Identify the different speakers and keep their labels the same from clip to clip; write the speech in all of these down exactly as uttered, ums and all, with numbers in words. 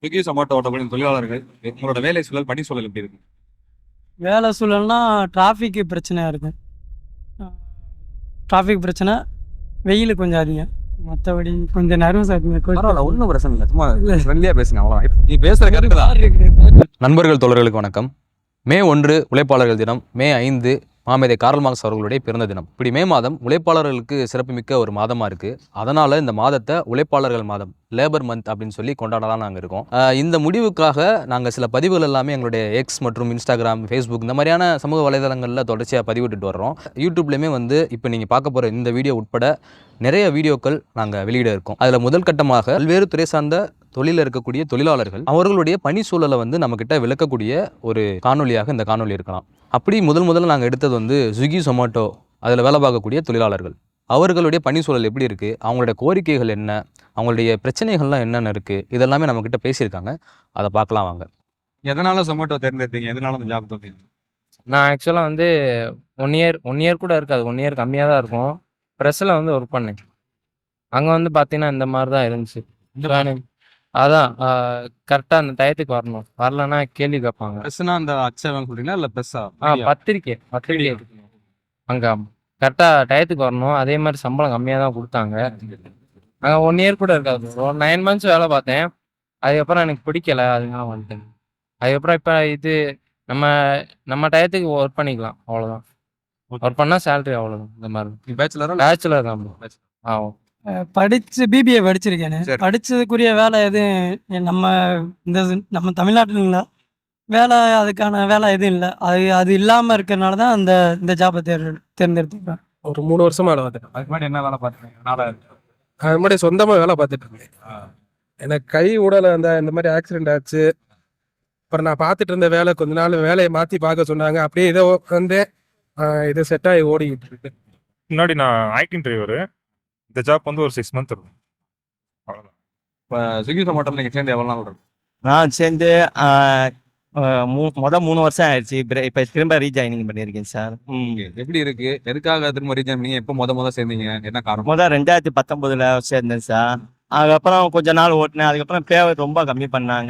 Speaker 1: Swiggy Zomato ஓட்டக்கூடிய தொழிலாளர்கள் உங்களோட வேலை சூழல் பணி சூழல் எப்படி இருக்கு?
Speaker 2: வேலை சூழல்னா டிராஃபிக்கு பிரச்சனையாக இருக்கு. டிராஃபிக் பிரச்சனை, வெயில் கொஞ்சம் அதிகம். மற்றபடி கொஞ்சம் நர்வஸ் ஆகுங்க.
Speaker 1: பரவாயில்ல, ஒன்றும் பிரச்சனை இல்லை, சும்மா ஃப்ரெண்ட்லியாக பேசுங்க, அவ்வளோ நீ பேசுகிற கருத்து தான். நண்பர்கள் தோழர்களுக்கு வணக்கம். மே ஒன்று உழைப்பாளர்கள் தினம். மே ஐந்து மாமேதை கார்ல் மார்க்ஸ் அவர்களுடைய பிறந்த தினம். இப்படி மே மாதம் உழைப்பாளர்களுக்கு சிறப்புமிக்க ஒரு மாதமாக இருக்குது. அதனால் இந்த மாதத்தை உழைப்பாளர்கள் மாதம், லேபர் மந்த் அப்படின்னு சொல்லி கொண்டாடலாம் நாங்கள் இருக்கோம். இந்த முடிவுக்காக நாங்கள் சில பதிவுகள் எல்லாமே எங்களுடைய எக்ஸ் மற்றும் இன்ஸ்டாகிராம், ஃபேஸ்புக் இந்த மாதிரியான சமூக வலைதளங்களில் தொடர்ச்சியாக பதிவிட்டுட்டு வர்றோம். யூடியூப்லேயுமே வந்து இப்போ நீங்கள் பார்க்க போகிற இந்த வீடியோ உட்பட நிறைய வீடியோக்கள் நாங்கள் வெளியிட இருக்கோம். அதில் முதல் கட்டமாக பல்வேறு துறை சார்ந்த தொழிலில் இருக்கக்கூடிய தொழிலாளர்கள் அவர்களுடைய பணி சூழலை வந்து நம்மக்கிட்ட விளக்கக்கூடிய ஒரு காணொலியாக இந்த காணொலி இருக்கலாம். அப்படி முதல் முதல்ல நாங்கள் எடுத்தது வந்து ஸ்விக்கி சொமாட்டோ அதில் வேலை பார்க்கக்கூடிய தொழிலாளர்கள். அவர்களுடைய பணி சூழல் எப்படி இருக்குது, அவங்களுடைய கோரிக்கைகள் என்ன, அவங்களுடைய பிரச்சனைகள்லாம் என்னென்ன இருக்குது, இதெல்லாமே நம்மக்கிட்ட பேசியிருக்காங்க. அதை பார்க்கலாம் வாங்க. எதனால் சொமாட்டோ தேர்ந்தெடுத்தீங்க? எதனால அந்த ஜாப் தோன்றீங்க?
Speaker 3: நான் ஆக்சுவலாக வந்து ஒன் இயர் ஒன் இயர் கூட இருக்காது, ஒன் இயர் கம்மியாக தான் இருக்கும். ப்ரெஸ்ஸில் வந்து ஒர்க் பண்ணேன். அங்கே வந்து பார்த்தீங்கன்னா இந்த மாதிரி தான் இருந்துச்சு. அதான் கரெக்டாக அந்த டயத்துக்கு வரணும், வரலன்னா கேள்வி கேட்பாங்க.
Speaker 1: ப்ரெஸ்ஸுனா அந்த அச்சகம் சொல்கிறீங்களா இல்லை ப்ரெஸ்ஸா?
Speaker 3: ஆ பத்திரிக்கை பத்திரிக்கை அங்கே கரெக்டாக டயத்துக்கு வரணும். அதே மாதிரி சம்பளம் கம்மியாக தான் கொடுத்தாங்க. அங்கே ஒன் இயர் கூட இருக்காது, ஒரு நைன் மந்த்ஸ் வேலை பார்த்தேன். அதுக்கப்புறம் எனக்கு பிடிக்கல, அதனால வந்துட்டேன். அதுக்கப்புறம் இப்போ இது நம்ம நம்ம டயத்துக்கு ஒர்க் பண்ணிக்கலாம், அவ்வளோதான். ஒர்க் பண்ணால் சேலரி அவ்வளோதான். இந்த மாதிரி
Speaker 1: பேச்சுலரா?
Speaker 3: பேச்சுலர் தான். ஆ
Speaker 2: படித்து பிபிஏ படிச்சிருக்கேன்.
Speaker 1: சரி.
Speaker 2: படித்ததுக்குரிய வேலை எதுவும் நம்ம இந்த நம்ம தமிழ்நாட்டுல வேலை, அதுக்கான வேலை எதுவும் இல்லை. அது அது இல்லாமல் இருக்கிறனால தான் அந்த இந்த ஜாபை தேர் தேர்ந்தெடுத்துக்கிறேன்.
Speaker 4: ஒரு மூணு வருஷமா வேலை பார்த்துட்டேன்.
Speaker 1: அதுக்கு முன்னாடி என்ன வேலை பார்த்துருக்கீங்க? நாளா
Speaker 4: அது முன்னாடி சொந்தமாக வேலை பார்த்துட்டு இருந்தேன். எனக்கு கை உடலை அந்த இந்த மாதிரி ஆக்சிடென்ட் ஆச்சு. அப்புறம் நான் பார்த்துட்டு இருந்த வேலை கொஞ்ச நாள் வேலையை மாற்றி பார்க்க சொன்னாங்க. அப்படியே இதை வந்து இது செட் ஆகி ஓடிக்கிட்டு இருக்கு.
Speaker 5: முன்னாடி நான் ஐடி டிரைவரு. இந்த ஜாப் வந்து ஒரு சிக்ஸ் மந்த் இருக்கும், அவ்வளோதான்.
Speaker 1: இப்போ ஸ்விக்கி சொமாட்டோவில் நீங்கள் சேர்ந்து எவ்வளோ நாள் இருக்கு?
Speaker 6: நான் சேர்ந்து மூ மொதல் மூணு வருஷம் ஆயிடுச்சு. இப்போ இப்போ திரும்ப ரீஜாயினிங் பண்ணியிருக்கேன் சார். ம்
Speaker 1: எப்படி இருக்கு? எதுக்காக திரும்ப ரீஜன் பண்ணீங்க? எப்போ முத முத சேர்ந்தீங்க? என்ன காரணம்?
Speaker 6: மொதல் ரெண்டாயிரத்தி பத்தொம்போதில் சேர்ந்தேன் சார். அதுக்கப்புறம் கொஞ்ச நாள் ஓட்டினேன். அதுக்கப்புறம் பே ரொம்ப கம்மி பண்ணாங்க.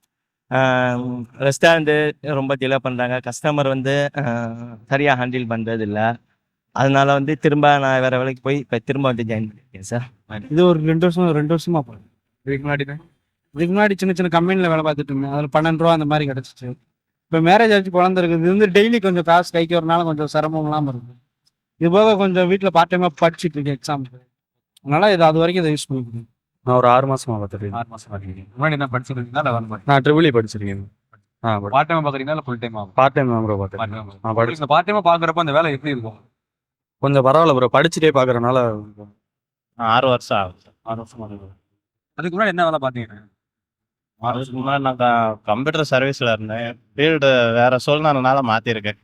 Speaker 6: ரெஸ்டாரண்ட்டு ரொம்ப டிலே பண்ணுறாங்க. கஸ்டமர் வந்து சரியாக ஹேண்டில் பண்ணுறது இல்லை. அதனால வந்து திரும்ப நான் வேறு வேலைக்கு போய் இப்போ திரும்ப வந்து ஜாயின் பண்ணியிருக்கேன் சார்.
Speaker 2: இது ஒரு ரெண்டு வருஷம் ரெண்டு வருஷமா போகிறேன்.
Speaker 1: இதுக்கு முன்னாடி
Speaker 2: இதுக்கு முன்னாடி சின்ன சின்ன கம்பெனியில் வேலை பார்த்துட்டு இருந்தேன். அதில் பன்னெண்டு ரூபா அந்த மாதிரி கிடச்சிச்சு. இப்போ மேரேஜ் ஆச்சு, குழந்தை இருக்குது. இது வந்து டெய்லி கொஞ்சம் காசு கைக்கு வரனால கொஞ்சம் சிரமம் இல்லாமல் இருக்குது. இது போக கொஞ்சம் வீட்டில் பார்ட் டைமாக படிச்சுட்டு இருக்கேன் எக்ஸாமுக்கு. அதனால இது அது வரைக்கும் இதை யூஸ் பண்ணிக்கிறேன்.
Speaker 4: நான் ஒரு ஆறு மாசமா பார்த்துருக்கேன்.
Speaker 1: ஆறு மாசம் பார்க்குறீங்க. முன்னாடி என்ன படிச்சிருக்கீங்களா இல்லை வந்து
Speaker 4: நான் ட்ரிபிள் இ படிச்சிருக்கேன். ஆ
Speaker 1: பார்ட் டைமாக பார்க்குறீங்களா இல்லை ஃபுல் டைமாக?
Speaker 4: பார்ட் டைம் தான் ப்ரோ பார்த்தேன்.
Speaker 1: நான் படிச்சு இந்த பார்ட் டைமாக பார்க்குறப்ப அந்த வேலை எப்படி இருக்கும்?
Speaker 4: கொஞ்சம் பரவாயில்ல ப்ரோ, படிச்சுட்டே பார்க்குறனால.
Speaker 6: ஆறு வருஷம் ஆகும் சார்.
Speaker 4: ஆறு வருஷம் ஆகுது.
Speaker 1: அதுக்கு முன்னாடி என்ன வேலை பார்த்தீங்க?
Speaker 6: ஆறு வருஷத்துக்கு முன்னாடி நான் கம்ப்யூட்டர் சர்வீஸில் இருந்தேன். ஃபீல்டு வேறு சூழ்நிலைனால மாற்றிருக்கேன்.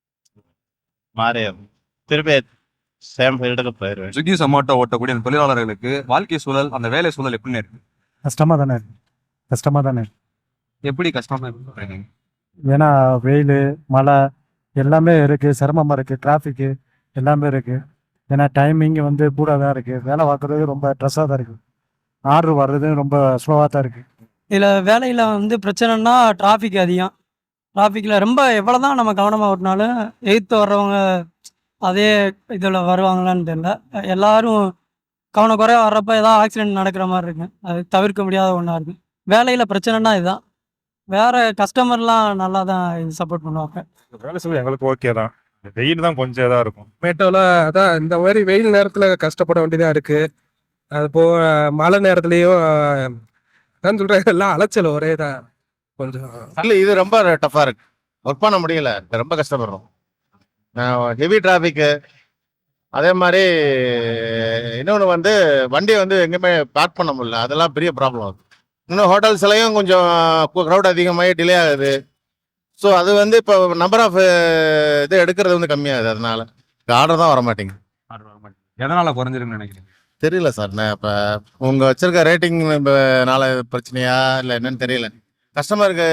Speaker 6: மாறி திருப்பி சேம் ஃபீல்டுக்கு போயிடுவேன்.
Speaker 1: ஸ்விக்கி சொமாட்டோ ஓட்டக்கூடிய அந்த தொழிலாளர்களுக்கு வாழ்க்கை சூழல், அந்த வேலை சூழல் எப்படின்னு இருக்கு?
Speaker 7: கஷ்டமாக தானே இருக்கு கஷ்டமாக தானே இருக்கு.
Speaker 1: எப்படி கஷ்டமா இருக்கு?
Speaker 7: ஏன்னா வெயில், மழை எல்லாமே இருக்குது, சிரமமாக இருக்குது, டிராஃபிக்கு எல்லாமே இருக்குது. ஏன்னா டைமிங் வந்து கூட தான் இருக்குது. வேலை பார்க்குறது ரொம்ப ட்ரெஸ்ஸாக தான் இருக்குது. ஆர்டர் வர்றது ரொம்ப ஸ்லோவாக தான் இருக்குது.
Speaker 2: இதில் வேலையில் வந்து பிரச்சனைனா டிராஃபிக் அதிகம். டிராஃபிக்கில் ரொம்ப எவ்வளோ தான் நம்ம கவனமாக ஓட்டினாலும் எதிர்த்து வர்றவங்க அதே இதில் வருவாங்களான்னு தெரியல. எல்லாரும் கவனக்குறையாக வர்றப்ப ஏதாவது ஆக்சிடென்ட் நடக்கிற மாதிரி இருக்கு. அது தவிர்க்க முடியாத ஒன்றா இருக்குது. வேலையில் பிரச்சனைனா இதுதான். வேறு கஸ்டமர்லாம் நல்லா தான் இது சப்போர்ட் பண்ணுவாங்க.
Speaker 5: வேலை செய்ய எங்களுக்கு ஓகே தான். வெயில் தான் கொஞ்சம் இதாக இருக்கும்.
Speaker 4: மேட்டோவில் அதான் இந்த மாதிரி வெயில் நேரத்தில் கஷ்டப்பட வேண்டியதாக இருக்குது. அது போக மழை நேரத்துலையும் நான் சொல்கிறேன், எல்லாம் அலைச்சல் ஒரே தான் கொஞ்சம்.
Speaker 8: இல்லை, இது ரொம்ப டஃப்பாக இருக்கு. ஒர்க் பண்ண முடியல, ரொம்ப கஷ்டப்படுறோம். Heavy traffic. அதே மாதிரி இன்னொன்று வந்து வண்டியை வந்து எங்கேயுமே பார்க் பண்ண முடியல, அதெல்லாம் பெரிய ப்ராப்ளம் ஆகுது. இன்னும் ஹோட்டல்ஸ்லையும் கொஞ்சம் க்ரௌட் அதிகமாகி டிலே ஆகுது. ஸோ அது வந்து இப்போ நம்பர் ஆஃப் இது எடுக்கிறது வந்து கம்மியாகுது. அதனால ஆர்டர் தான் வர மாட்டேங்குது.
Speaker 1: எதனால குறைஞ்சிருக்குன்னு நினைக்கிறீங்க?
Speaker 8: தெரியல சார். நான் இப்போ உங்கள் வச்சிருக்க ரேட்டிங்னால பிரச்சனையா இல்லை என்னன்னு தெரியல. கஸ்டமருக்கு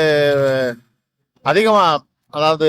Speaker 8: அதிகமாக, அதாவது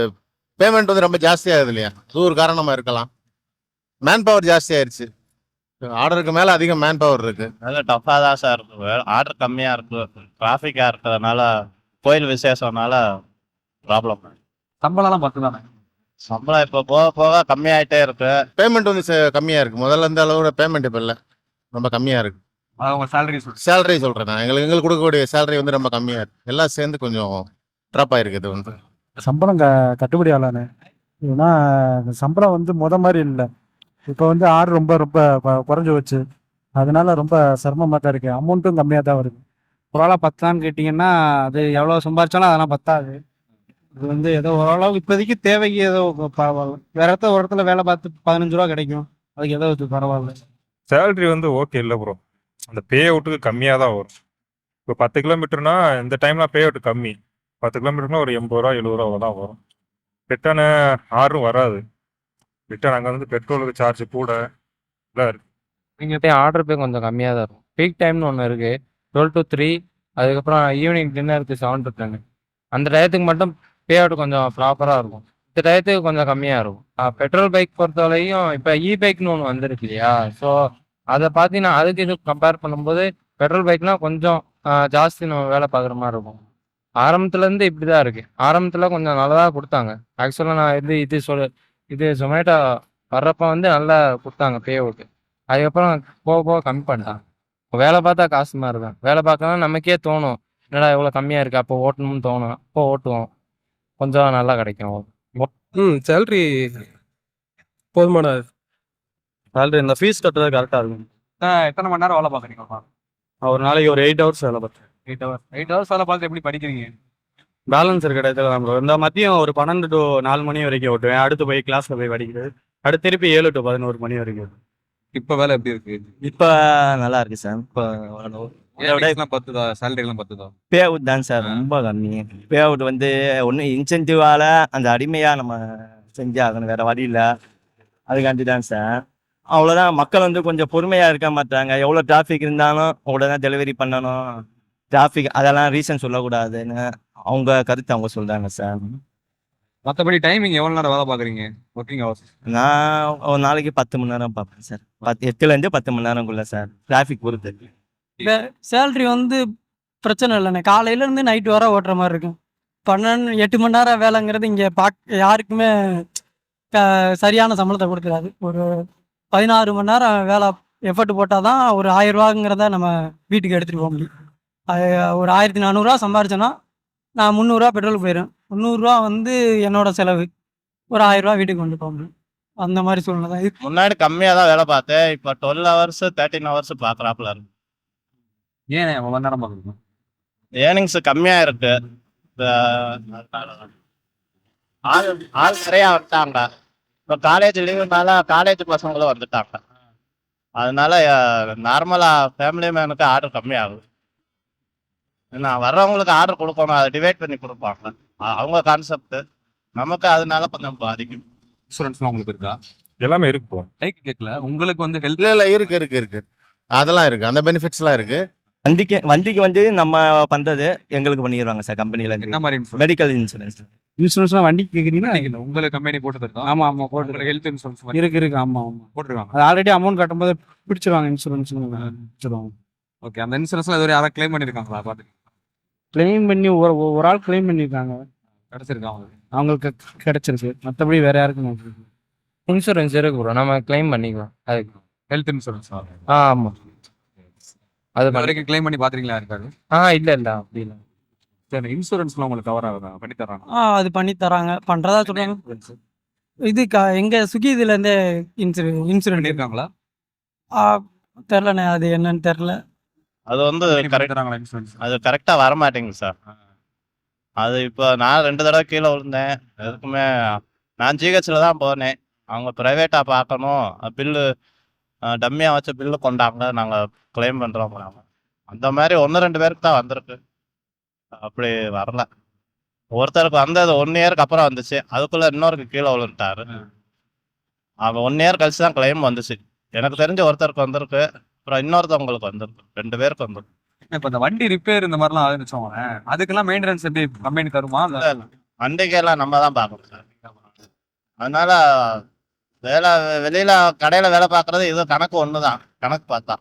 Speaker 8: பேமெண்ட் வந்து ரொம்ப ஜாஸ்தியாகுது இல்லையா, அது ஒரு காரணமாக இருக்கலாம். மேன் பவர் ஜாஸ்தி ஆயிடுச்சு. ஆர்டருக்கு மேலே அதிகம் மேன் பவர் இருக்கு.
Speaker 6: நல்ல டஃப்பாக தான் சார் இருக்கு. ஆர்டர் கம்மியாக இருக்கு, டிராஃபிக்காக இருக்கிறதுனால, கோயில் விசேஷம்னால ப்ராப்ளம்.
Speaker 1: சம்பளம்லாம் பத்து தானே?
Speaker 6: சம்பளம் இப்போ போக போக கம்மியாயிட்டே இருக்கு.
Speaker 8: பேமெண்ட் வந்து ச- கம்மியா இருக்கு. முதல்ல இருந்த அளவோட பேமெண்ட் இப்போ இல்லை, ரொம்ப கம்மியா இருக்கு.
Speaker 1: அது உங்க சேலரி சொல்லி
Speaker 8: சேலரி சொல்றேன் நான், எங்களுக்கு எங்களுக்கு கொடுக்கக்கூடிய சேலரி வந்து ரொம்ப கம்மியா இருக்கு. எல்லாம் சேர்ந்து கொஞ்சம் ட்ராப் ஆயிருக்கு இது வந்து.
Speaker 7: சம்பளம் க கட்டுப்படி ஆகலான்னு ஏன்னா இந்த சம்பளம் வந்து முத மாதிரி இல்லை. இப்போ வந்து ஆர்டர் ரொம்ப ரொம்ப கொ- குறைஞ்சு வச்சு அதனால ரொம்ப சிரமமாக தான் இருக்குது. அமௌண்ட்டும் கம்மியாக தான் வருது.
Speaker 9: ஓரளவு பத்தான்னு கேட்டிங்கன்னா அது எவ்வளோ சம்பாரிச்சாலும் அதெல்லாம் பத்தாது. இது வந்து ஏதோ ஓரளவு இப்போதைக்கு தேவைக்கு ஏதோ பரவாயில்ல. வேற இடத்துல ஒரு இடத்துல வேலை பார்த்து பதினஞ்சு ரூபா கிடைக்கும், அதுக்கு ஏதோ இது பரவாயில்ல.
Speaker 5: சேலரி வந்து ஓகே இல்லை ப்ரோ, அந்த பே அவுட்டுக்கு கம்மியாக தான் வரும். இப்போ பத்து கிலோமீட்டர்னா இந்த டைம்லாம் பே அவுட் கம்மி. பத்து கிலோமீட்டர்னா ஒரு எண்பது ரூபா எழுபது ரூபா தான் வரும். ரிட்டர்னு ஆறும் வராது. ரிட்டர்ன் அங்கே வந்து பெட்ரோலுக்கு சார்ஜ் கூட எல்லாம் இருக்கு.
Speaker 3: நீங்கள் போய் ஆர்டர் போய் கொஞ்சம் கம்மியாக தான் இருக்கும். பீக் டைம்னு ஒன்று இருக்குது, டுவெல் டு த்ரீ, அதுக்கப்புறம் ஈவினிங் டின்னருக்கு செவன் டு டென். அந்த டயத்துக்கு மட்டும் பே அவுட் கொஞ்சம் ப்ராப்பராக இருக்கும். இந்த டயத்துக்கு கொஞ்சம் கம்மியாக இருக்கும். பெட்ரோல் பைக் பொறுத்தவரையும் இப்போ இ பைக்னு ஒன்று வந்துருக்கு இல்லையா, ஸோ அதை பார்த்தீங்கன்னா அதுக்கு இது கம்பேர் பண்ணும்போது பெட்ரோல் பைக்னால் கொஞ்சம் ஆஹ், ஜாஸ்தி நம்ம வேலை பார்க்குற மாதிரி இருக்கும். ஆரம்பத்துலேருந்து இப்படி தான் இருக்குது. ஆரம்பத்தில் கொஞ்சம் நல்லதாக கொடுத்தாங்க. ஆக்சுவலாக நான் இது இது சொல் இது ஜொமேட்டோ வர்றப்ப வந்து நல்லா கொடுத்தாங்க பே அவுட். அதுக்கப்புறம் போக போக கம்மி பண்ணிட்டாங்க. இப்போ வேலை பார்த்தா காசு மாதிரி தான். வேலை பார்க்கலாம் நமக்கே தோணும், என்னடா இவ்வளோ கம்மியாக இருக்குது, அப்போ ஓட்டணும்னு தோணும். அப்போ ஓட்டுவோம், கொஞ்சம் நல்லா கிடைக்கும்.
Speaker 4: ம் சேலரி போதுமான
Speaker 9: சேலரி இந்த ஃபீஸ் கட்டுறது கரெக்டாக இருக்கும்.
Speaker 1: எத்தனை மணி நேரம் வேலை பார்க்குறீங்கப்பா?
Speaker 9: ஒரு நாளைக்கு ஒரு எயிட் ஹவர்ஸ் வேலை பார்த்தேன்.
Speaker 1: எயிட் ஹவர்ஸ் எயிட் ஹவர்ஸ் வேலை பார்த்து எப்படி படிக்கிறீங்க?
Speaker 9: பேலன்ஸ் இருக்க இடத்துல தான் bro. இந்த மதியம் ஒரு பன்னெண்டு டு நாலு மணி வரைக்கும் ஓட்டுவேன். அடுத்து போய் கிளாஸ்ல போய் படிக்கிறது. அடுத்து திருப்பி ஏழு டு பதினோரு மணி வரைக்கும்.
Speaker 1: இப்போ வேலை எப்படி இருக்கு?
Speaker 10: இப்போ நல்லா இருக்கு சார். இப்போ இதை விட
Speaker 1: எல்லாம் பத்துதா? சேலரி எல்லாம் பத்துதா?
Speaker 10: பே அவுட் தான் சார் ரொம்ப கம்மி. பே அவுட் வந்து ஒன்று இன்சென்டிவால அந்த அடிமையாக நம்ம செஞ்சாகணும், வேற வழி இல்லை. அதுக்காண்டி தான் சார். அவ்வளோதான். மக்கள் வந்து கொஞ்சம் பொறுமையாக இருக்க மாட்டாங்க. எவ்வளோ டிராஃபிக் இருந்தாலும் உடனே டெலிவரி பண்ணணும், டிராஃபிக் அதெல்லாம் ரீசன் சொல்லக்கூடாதுன்னு அவங்க கருத்து அவங்க சொல்கிறாங்க சார்.
Speaker 1: மற்றபடி டைமிங் எவ்வளோ நேரம் வேலை பார்க்குறீங்க? ஒர்க்கிங் ஹவர்ஸ்
Speaker 10: நான் ஒரு நாளைக்கு பத்து மணி நேரம் பார்ப்பேன் சார். பத்து எட்டுலேருந்து பத்து மணி நேரம்குள்ள சார், டிராஃபிக் பொறுத்து.
Speaker 2: சேலரி வந்து பிரச்சனை இல்லைண்ணே. காலையிலேருந்து நைட்டு வர ஓட்டுற மாதிரி இருக்கும். பன்னெண்டு எட்டு மணி நேரம் வேலைங்கிறது இங்கே பாக் யாருக்குமே க- சரியான சம்பளத்தை கொடுக்குறாது. ஒரு பதினாறு மணி நேரம் வேலை எஃபர்ட் போட்டால் தான் ஒரு ஆயிரம் ரூபாங்கிறத நம்ம வீட்டுக்கு எடுத்துகிட்டு போக முடியும். அது ஒரு ஆயிரத்தி நானூறுரூவா சம்பாரிச்சேன்னா நான் முந்நூறுரூவா பெட்ரோலுக்கு போயிடும். முந்நூறுரூவா வந்து என்னோட செலவு. ஒரு ஆயிரரூவா வீட்டுக்கு கொண்டு போக முடியும். அந்த மாதிரி சூழ்நிலை தான் இது.
Speaker 6: முன்னாடி கம்மியாக தான் வேலை பார்த்தேன், இப்போ டுவெல் ஹவர்ஸ் தேர்ட்டின் ஹவர்ஸ் பார்க்குறாப்புல இருக்கு.
Speaker 1: ஏன் எவ்வளோ நேரம் பார்க்குறீங்க?
Speaker 6: ஏர்னிங்ஸ் கம்மியாக இருக்கு. இப்ப அதனால தான். ஆள் ஆள் நிறையா வந்துட்டாங்க. இப்போ காலேஜ் லீவுனால காலேஜ் பசங்களும் வந்துட்டாங்க. அதனால நார்மலாக ஃபேமிலி மேனுக்கு ஆர்டர் கம்மியாகுது. ஏன்னா வர்றவங்களுக்கு ஆர்டர் கொடுக்கணும், அதை டிவைட் பண்ணி கொடுப்பாங்க. அ- அவங்க கான்செப்ட் நமக்கு அதனால கொஞ்சம் பாதிக்கும்.
Speaker 1: இன்சூரன்ஸ்லாம் உங்களுக்கு இருக்கா?
Speaker 5: எல்லாமே இருக்கு ப்ரோ.
Speaker 1: லைக் கேட்கல, உங்களுக்கு வந்து ஹெல்த்
Speaker 8: இல்லை இல்லை இருக்கு இருக்கு இருக்கு அதெல்லாம் இருக்கு, அந்த பெனிஃபிட்ஸ்லாம் இருக்கு.
Speaker 10: வண்டிக்கு வண்டிக்கு வந்து நம்ம பண்ணுறது எங்களுக்கு பண்ணிடுவாங்க சார் கம்பெனியில்.
Speaker 1: என்ன மாதிரி இன்சூரன்ஸ்?
Speaker 10: Medical insurance.
Speaker 9: இன்சூரன்ஸ்லாம் வண்டிக்கு கேட்குறீங்கன்னா
Speaker 1: இல்லை, உங்களுக்கு கம்பெனி போட்டு தருதா?
Speaker 9: ஆமாம் ஆமாம் போட்டு
Speaker 1: உங்களுக்கு ஹெல்த் இன்சூரன்ஸ் மாதிரி
Speaker 9: இருக்கு இருக்கு ஆமாம் ஆமாம்.
Speaker 1: போட்டிருக்காங்க.
Speaker 9: அது ஆல்ரெடி அமௌண்ட் கட்டும்போது பிடிச்சிருவாங்க, இன்சூரன்ஸ் பிடிச்சிருவாங்க.
Speaker 1: ஓகே, அந்த இன்சூரன்ஸ்லாம் இதுவரை யாராவது கிளைம் பண்ணியிருக்காங்களா? பார்த்து
Speaker 9: கிளைம் பண்ணி ஒரு ஒரு ஆள் கிளைம் பண்ணியிருக்காங்க,
Speaker 1: கிடச்சிருக்கா அவங்களுக்கு?
Speaker 9: அவங்களுக்கு கிடைச்சிருக்கு. மற்றபடி வேற யாருக்கும் கிடைச்சிருக்கு.
Speaker 3: இன்சூரன்ஸ் இருக்கு ப்ரோ, நம்ம கிளைம் பண்ணிக்கலாம் அதுக்கு.
Speaker 1: ஹெல்த் இன்சூரன்ஸ்
Speaker 3: ஆ ஆமாம், அது
Speaker 1: இது
Speaker 3: பண்ணி
Speaker 1: வரைக்கும் கிளைம் பண்ணி பார்த்துருக்கீங்களா? இருக்காது.
Speaker 3: ஆ இல்லை இல்லை அப்படி இல்லை.
Speaker 1: சரி, இன்சூரன்ஸ்லாம் உங்களுக்கு கவர் ஆகுதா? பண்ணி தர்றாங்க?
Speaker 2: ஆ அது பண்ணி தராங்க, பண்ணுறதா சொல்கிறாங்க. இது க எங்கள் சுகி இதுலேருந்தே இன்சூர இன்சூரன்ஸ்
Speaker 1: பண்ணியிருக்காங்களா?
Speaker 2: தெரிலண்ணே, அது என்னன்னு தெரில.
Speaker 6: அது வந்து
Speaker 1: பண்ணி
Speaker 6: கரெக்ட்
Speaker 1: தராங்களா இன்சூரன்ஸ்?
Speaker 6: அது கரெக்டாக வர மாட்டேங்குது சார். அது இப்போ நான் ரெண்டு தடவை கீழே விழுந்தேன். எதுக்குமே நான் ஜிஹெச்சில் தான் போனேன். அவங்க ப்ரைவேட்டாக பார்க்கணும், பில்லு டம்மியாக வச்ச பில்லு கொண்டாங்க, நாங்கள் கிளைம் பண்ணுறோம். அந்த மாதிரி ஒன்று ரெண்டு பேருக்கு தான் வந்திருக்கு, அப்படி வரல. ஒருத்தருக்கு வந்தது ஒன் இயருக்கு அப்புறம் வந்துச்சு, அதுக்குள்ளே இன்னொருக்கு கீழே விழுந்துட்டாரு. அவன் ஒன் இயர் கழிச்சு தான் கிளைம் வந்துச்சு. எனக்கு தெரிஞ்ச ஒருத்தருக்கு வந்திருக்கு, அப்புறம் இன்னொருத்தவங்களுக்கு வந்திருக்கு, ரெண்டு பேருக்கு வந்திருக்கு.
Speaker 1: இப்போ இந்த வண்டி ரிப்பேர் இந்த மாதிரிலாம் ஆகுதுன்னு வச்சுக்கோங்களேன், அதுக்கெல்லாம் மெயின்டெனன்ஸ் எப்படி கம்பெனி தருமா? இல்ல
Speaker 6: வண்டிக்கெல்லாம் நம்ம தான் பார்க்கணும் சார். அதனால வேலை வெளியில கடையில வேலை பார்க்கறது இது கணக்கு ஒன்று தான், கணக்கு பார்த்தா.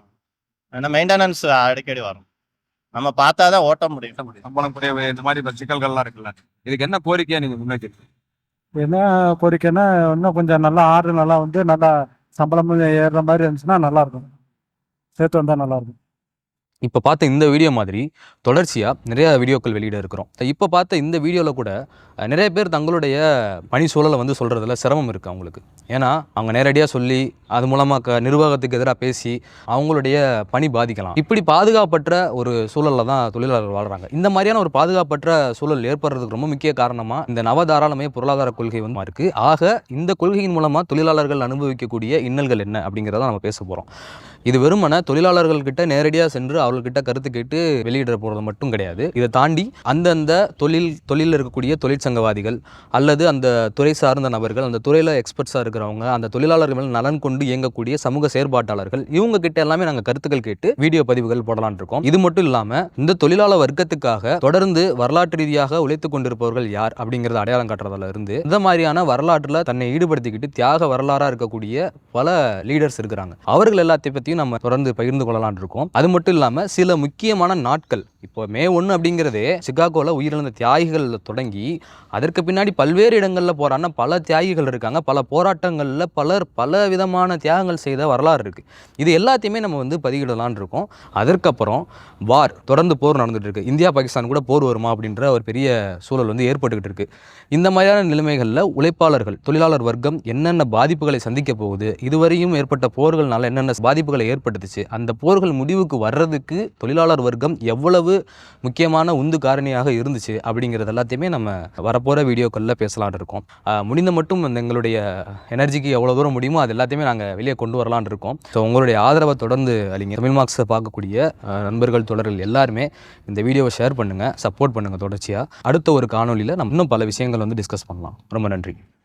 Speaker 6: ஏன்னா மெயின்டெனன்ஸ் அடிக்கடி வரும், நம்ம பார்த்தாதான் ஓட்ட முடியும்.
Speaker 1: சம்பளம் குறைவு இந்த மாதிரி சிக்கல்கள்லாம் இருக்குல்ல, இதுக்கு என்ன கோரிக்கையா நீங்க முன்வைக்கிறீங்க?
Speaker 7: என்ன கோரிக்கைன்னா இன்னும் கொஞ்சம் நல்லா ஆர்டர் நல்லா வந்து நல்லா சம்பளமும் ஏறுற மாதிரி இருந்துச்சுன்னா நல்லா இருக்கும், சேர்த்து வந்தால் நல்லா இருக்கும்.
Speaker 1: இப்போ பார்த்த இந்த வீடியோ மாதிரி தொடர்ச்சியாக நிறைய வீடியோக்கள் வெளியிட இருக்கிறோம். இப்போ பார்த்த இந்த வீடியோவில் கூட அஹ், நிறைய பேர் தங்களுடைய பணி சூழலை வந்து சொல்கிறதுல சிரமம் இருக்குது அவங்களுக்கு. ஏன்னா அவங்க நேரடியாக சொல்லி அது மூலமாக க நிர்வாகத்துக்கு எதிராக பேசி அவங்களுடைய பணி பாதிக்கலாம். இப்படி பாதுகாப்பற்ற ஒரு சூழலில் தான் தொழிலாளர்கள் வாழ்கிறாங்க. இந்த மாதிரியான ஒரு பாதுகாப்பற்ற சூழல் ஏற்படுறதுக்கு ரொம்ப முக்கிய காரணமாக இந்த நவதாராளமய பொருளாதார கொள்கை வந்து இருக்குது. ஆக இந்த கொள்கையின் மூலமாக தொழிலாளர்கள் அனுபவிக்கக்கூடிய இன்னல்கள் என்ன அப்படிங்கிறத நம்ம பேச போகிறோம். இது வெறுமன தொழிலாளர்கள்கிட்ட நேரடியாக சென்று அவர்கள்கிட்ட கருத்து கேட்டு வெளியிட போகிறது மட்டும் கிடையாது. இதை தாண்டி அந்தந்த தொழில் தொழிலில் இருக்கக்கூடிய தொழிற்சங்கவாதிகள் அல்லது அந்த துறை சார்ந்த நபர்கள், அந்த துறையில் எக்ஸ்பர்ட்ஸாக இருக்கிறவங்க, அந்த தொழிலாளர்கள் மேல் நலன் கொண்டு இயங்கக்கூடிய சமூக செயற்பாட்டாளர்கள், இவங்க கிட்ட எல்லாமே நாங்கள் கருத்துக்கள் கேட்டு வீடியோ பதிவுகள் போடலான் இருக்கோம். இது மட்டும் இல்லாமல் இந்த தொழிலாளர் வர்க்கத்துக்காக தொடர்ந்து வரலாற்று ரீதியாக உழைத்து கொண்டிருப்பவர்கள் யார் அப்படிங்கிறத அடையாளம் காட்டுறதுல இருந்து இந்த மாதிரியான வரலாற்றில் தன்னை ஈடுபடுத்திக்கிட்டு தியாக வரலாறாக இருக்கக்கூடிய பல லீடர்ஸ் இருக்கிறாங்க. அவர்கள் எல்லாத்தையும் பற்றி நம்ம தொடர்ந்து பகிர்ந்து கொள்ளலாம் இருக்கோம். அது மட்டும் இல்லாமல் சில முக்கியமான நாட்கள், இப்போ மே ஒன்று அப்படிங்கிறதே சிகாகோவில் உயிரிழந்த தியாகிகள் தொடங்கி அதற்கு பின்னாடி பல்வேறு இடங்களில் போராடின பல தியாகிகள் இருக்காங்க. பல போராட்டங்களில் பலர் பல விதமான தியாகங்கள் செய்த வரலாறு இருக்குது. இது எல்லாத்தையுமே நம்ம வந்து பதிவிடலான் இருக்கோம். அதற்கப்புறம் வார், தொடர்ந்து போர் நடந்துட்டு இருக்கு. இந்தியா பாகிஸ்தான் கூட போர் வருமா அப்படின்ற ஒரு பெரிய சூழல் வந்து ஏற்பட்டுக்கிட்டு இருக்கு. இந்த மாதிரியான நிலைமைகளில் உழைப்பாளர்கள், தொழிலாளர் வர்க்கம் என்னென்ன பாதிப்புகளை சந்திக்க போகுது, இதுவரையும் ஏற்பட்ட போர்கள்னால என்னென்ன பாதிப்புகளை ஏற்படுத்துச்சு, அந்த போர்கள் முடிவுக்கு வர்றதுக்கு தொழிலாளர் வர்க்கம் எவ்வளவு முக்கியமான உந்து காரணியாக இருந்துச்சு அப்படிங்கிறது எல்லாத்தையுமே நம்ம வரப்போகிற வீடியோக்களில் பேசலான் இருக்கோம். ஆஹ் முடிந்த மட்டும் இந்த எங்களுடைய எனர்ஜிக்கு எவ்வளோ தூரம் முடியுமோ அது எல்லாத்தையுமே நாங்கள் வெளியே கொண்டு வரலான் இருக்கோம். ஸோ உங்களுடைய ஆதரவை தொடர்ந்து அளிங்க. தமிழ் மார்க்ஸை பார்க்கக்கூடிய ஆஹ் நண்பர்கள், தொடர்கள் எல்லாருமே இந்த வீடியோவை ஷேர் பண்ணுங்கள், சப்போர்ட் பண்ணுங்கள். தொடர்ச்சியாக அடுத்த ஒரு காணொலியில் நம்ம இன்னும் பல விஷயங்கள் வந்து டிஸ்கஸ் பண்ணலாம். ரொம்ப நன்றி.